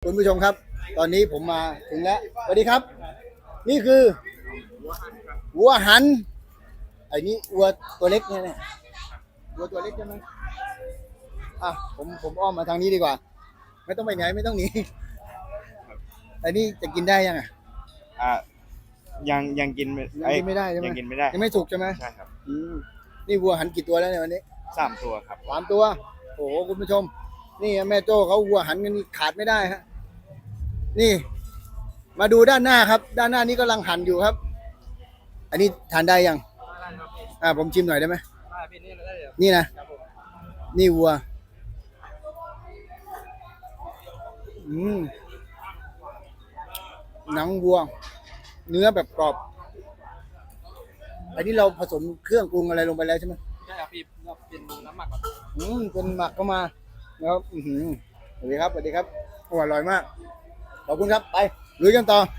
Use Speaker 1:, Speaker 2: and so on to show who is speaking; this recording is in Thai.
Speaker 1: คุณผู้ชมครับ ตอนนี้ผมมาถึงแล้วสวัสดีครับ นี่คือวัวหันไอ้นี่วัวตัวเล็กเนี่ยวัวตัวเล็กใช่ไหมผมอ้อมมาทางนี้ดีกว่า ไม่ต้องไปไหนไม่ต้องหนีไอ้นี่จะกินได้ยัง
Speaker 2: อ่ายังกิน
Speaker 1: ไม่ได้ใช่ไหม
Speaker 2: ยังกินไม่ได้
Speaker 1: ยังไม่สุกใช่ไหม
Speaker 2: ใช่ครับ
Speaker 1: นี่วัวหันกี่ตัวแล้วเนี่ยวันนี้
Speaker 2: 3 ตัวครับ
Speaker 1: 3 ตัวโอ้โหคุณผู้ชมนี่แม่โจ้เขาวัวหันกันนี่ขาดไม่ได้ฮะนี่มาดูด้านหน้าครับด้านหน้านี้กำลังหั่นอยู่ครับอันนี้ทานได้ยังผมชิมหน่อยได้ไหมนี่นะนี่วัวหนังวัวเนื้อแบบกรอบอันนี้เราผสมเครื่องปรุงอะไรลงไปแล้วใช่ไหม
Speaker 3: ใช่ครับพี่เป็นน้ำหมักก่อน
Speaker 1: เป็นหมักเข้ามาแล้วสวัสดีครับสวัสดีครับอร่อยมากขอบคุณครับไปลุยกันต่อ